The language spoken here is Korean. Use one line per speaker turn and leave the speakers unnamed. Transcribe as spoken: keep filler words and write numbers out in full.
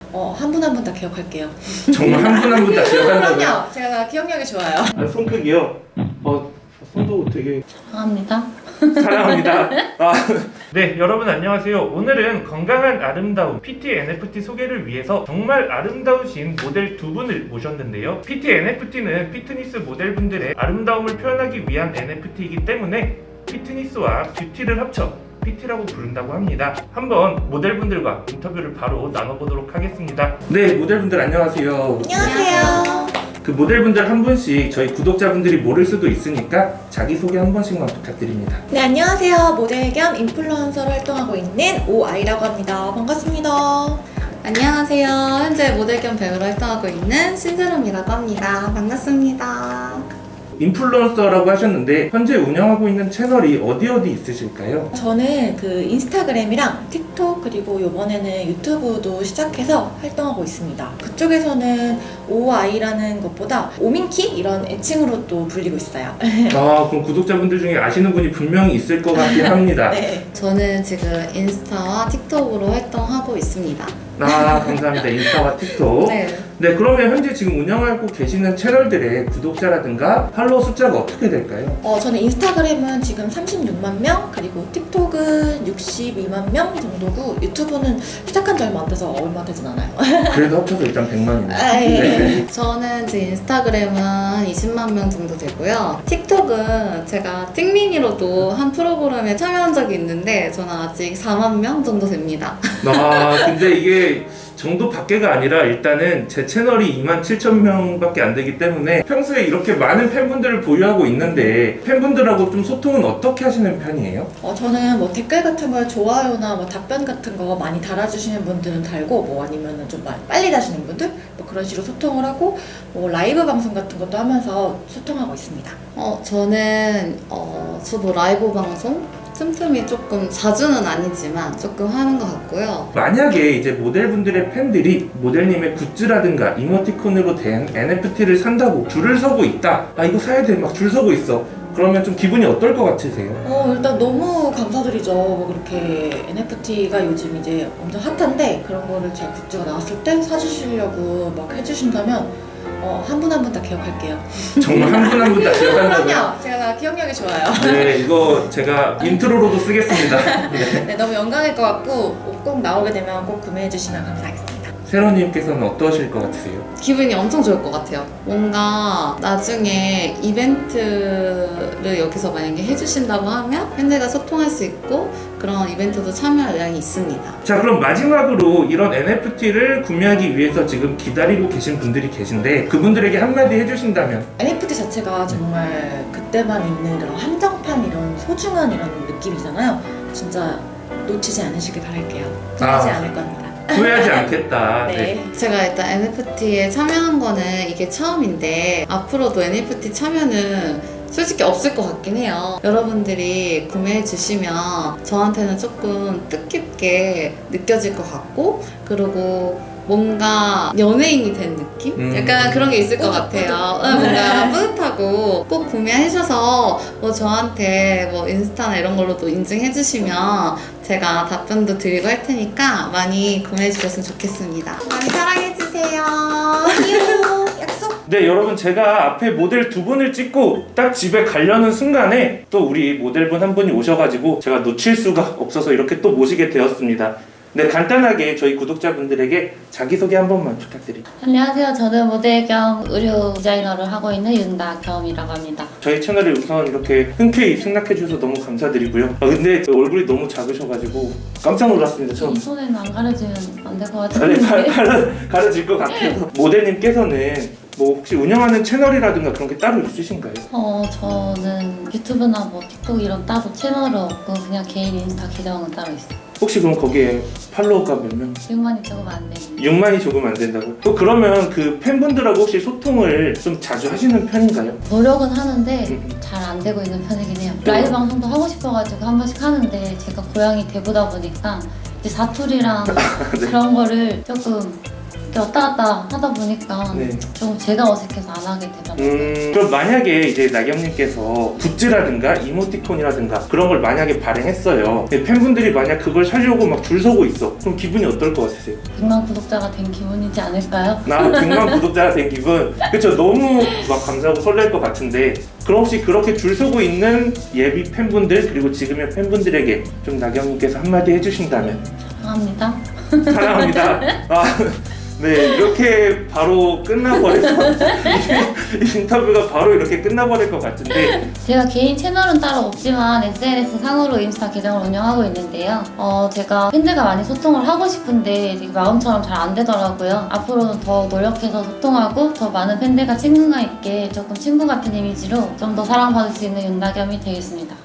어, 한 분 한 분 다 기억할게요.
정말 한 분 한 분 다 기억한다고요?
그럼요. 제가 기억력이 좋아요.
아, 손 크기요? 어, 손도 되게
사랑합니다.
사랑합니다. 아. 네, 여러분 안녕하세요. 오늘은 건강한 아름다움 피티 엔에프티 소개를 위해서 정말 아름다우신 모델 두 분을 모셨는데요. 피티 엔에프티는 피트니스 모델분들의 아름다움을 표현하기 위한 엔에프티이기 때문에 피트니스와 뷰티를 합쳐 피티라고 부른다고 합니다. 한번 모델분들과 인터뷰를 바로 나눠보도록 하겠습니다. 네, 모델분들 안녕하세요.
안녕하세요.
그 모델분들 한 분씩 저희 구독자분들이 모를 수도 있으니까 자기소개 한 번씩만 부탁드립니다.
네, 안녕하세요. 모델 겸 인플루언서로 활동하고 있는 오아이라고 합니다. 반갑습니다.
안녕하세요. 현재 모델 겸 배우로 활동하고 있는 신세롬이라고 합니다. 반갑습니다.
인플루언서라고 하셨는데 현재 운영하고 있는 채널이 어디 어디 있으실까요?
저는 그 인스타그램이랑 틱톡 그리고 이번에는 유튜브도 시작해서 활동하고 있습니다. 그쪽에서는 오아이라는 것보다 오민키 이런 애칭으로 또 불리고 있어요.
아, 그럼 구독자분들 중에 아시는 분이 분명히 있을 것 같긴 합니다.
네.
저는 지금 인스타와 틱톡으로 활동하고 있습니다.
아, 감사합니다. 인스타와 틱톡.
네.
네, 그러면 현재 지금 운영하고 계시는 채널들의 구독자라든가 팔로워 숫자가 어떻게 될까요?
어, 저는 인스타그램은 지금 삼십육만 명, 그리고 틱톡은 육십이만 명 정도고 유튜브는 시작한 지 얼마 안 돼서 얼마 되진 않아요.
그래도 합쳐서 일단 백만이네요.
아, 예.
네.
저는 제 인스타그램은 한 이십만 명 정도 되고요. 틱톡은 제가 틱미니로도 한 프로그램에 참여한 적이 있는데 저는 아직 사만 명 정도 됩니다.
아, 근데 이게 정도 밖에가 아니라 일단은 제 채널이 이만 칠천 명밖에 안 되기 때문에 평소에 이렇게 많은 팬분들을 보유하고 있는데 팬분들하고 좀 소통은 어떻게 하시는 편이에요?
어, 저는 뭐 댓글 같은 걸 좋아요나 뭐 답변 같은 거 많이 달아주시는 분들은 달고 뭐 아니면은 좀 빨리 다시는 분들 뭐 그런 식으로 소통을 하고 뭐 라이브 방송 같은 것도 하면서 소통하고 있습니다.
어, 저는 어, 저도 라이브 방송 틈틈이 조금 자주는 아니지만 조금 하는 것 같고요.
만약에 이제 모델분들의 팬들이 모델님의 굿즈라든가 이모티콘으로 된 엔에프티를 산다고 줄을 서고 있다. 아, 이거 사야 돼. 막 줄 서고 있어. 그러면 좀 기분이 어떨 것 같으세요?
어, 일단 너무 감사드리죠. 뭐 그렇게 엔에프티가 요즘 이제 엄청 핫한데 그런 거를 제 굿즈가 나왔을 때 사주시려고 막 해주신다면 어, 한 분 한 분 다 기억할게요.
정말 한 분 한 분 다 기억한다고요?
그럼요. 제가 기억력이 좋아요.
네, 이거 제가 인트로로도 쓰겠습니다. 네.
네, 너무 영광일 것 같고 꼭 나오게 되면 꼭 구매해 주시면 감사하겠습니다.
세로님께서는 어떠실 것 같으세요?
기분이 엄청 좋을 것 같아요. 뭔가 나중에 이벤트를 여기서 만약에 해주신다고 하면 팬들과 소통할 수 있고 그런 이벤트도 참여할 의향이 있습니다.
자, 그럼 마지막으로 이런 엔에프티를 구매하기 위해서 지금 기다리고 계신 분들이 계신데 그분들에게 한마디 해주신다면?
엔에프티 자체가 정말 그때만 있는 그런 한정판 이런 소중한 이런 느낌이잖아요. 진짜 놓치지 않으시길 바랄게요. 놓치지
아.
않을 겁니다.
후회하지 않겠다.
네.
네.
제가 일단 엔에프티에 참여한 거는 이게 처음인데 앞으로도 엔에프티 참여는 솔직히 없을 것 같긴 해요. 여러분들이 구매해 주시면 저한테는 조금 뜻깊게 느껴질 것 같고 그리고 뭔가 연예인이 된 느낌?
음.
약간 그런 게 있을 것 같아요. 응, 뭔가 뿌듯하고 꼭 구매하셔서 뭐 저한테 뭐 인스타나 이런 걸로도 인증해 주시면 제가 답변도 드리고 할 테니까 많이 구매해 주셨으면 좋겠습니다. 많이 사랑해 주세요.
약속.
네, 여러분, 제가 앞에 모델 두 분을 찍고 딱 집에 가려는 순간에 또 우리 모델분 한 분이 오셔가지고 제가 놓칠 수가 없어서 이렇게 또 모시게 되었습니다. 네, 간단하게 저희 구독자분들에게 자기소개 한 번만 부탁드립니다.
안녕하세요. 저는 모델 겸 의류 디자이너를 하고 있는 윤다겸이라고 합니다.
저희 채널에 우선 이렇게 흔쾌히 승낙해 주셔서 너무 감사드리고요. 아, 근데 얼굴이 너무 작으셔가지고 깜짝 놀랐습니다. 처음.
이 손에는 안 가려지면 안 될 것
아니, 가,
같은데.
가려, 가려질 것 같아서. 모델님께서는 뭐 혹시 운영하는 채널이라든가 그런 게 따로 있으신가요?
어, 저는 유튜브나 뭐 틱톡 이런 따로 채널은 없고 그냥 개인 인스타 계정은 따로 있어요.
혹시 그럼 거기에 팔로워가 몇 명?
육만이 조금 안 되는.
육만이 조금 안 된다고? 또 그러면 그 팬분들하고 혹시 소통을 좀 자주 하시는 편인가요?
노력은 하는데
음.
잘 안 되고 있는 편이긴 해요. 라이브 방송도 하고 싶어가지고 한 번씩 하는데 제가 고향이 대구다 보니까 이제 사투리랑
네.
그런 거를 조금 이렇게 왔다 갔다 하다 보니까
네.
좀 제가 어색해서 안 하게 되더라고요.
음, 그럼 만약에 이제 나경님께서 굿즈라든가 이모티콘이라든가 그런 걸 만약에 발행했어요. 근데 팬분들이 만약 그걸 사려고 막 줄 서고 있어. 그럼 기분이 어떨 것 같으세요?
백만 구독자가 된 기분이지 않을까요?
나 백만 구독자가 된 기분. 그쵸? 너무 막 감사하고 설렐 것 같은데 그럼 혹시 그렇게 줄 서고 있는 예비 팬분들 그리고 지금의 팬분들에게 좀 나경님께서 한마디 해주신다면
사랑합니다.
사랑합니다. 아, 네, 이렇게 바로 끝나버려서 이 인터뷰가 바로 이렇게 끝나버릴 것 같은데
제가 개인 채널은 따로 없지만 에스엔에스 상으로 인스타 계정을 운영하고 있는데요. 어, 제가 팬들과 많이 소통을 하고 싶은데 이게 마음처럼 잘 안 되더라고요. 앞으로는 더 노력해서 소통하고 더 많은 팬들과 친근감 있게 조금 친구 같은 이미지로 좀 더 사랑받을 수 있는 윤나겸이 되겠습니다.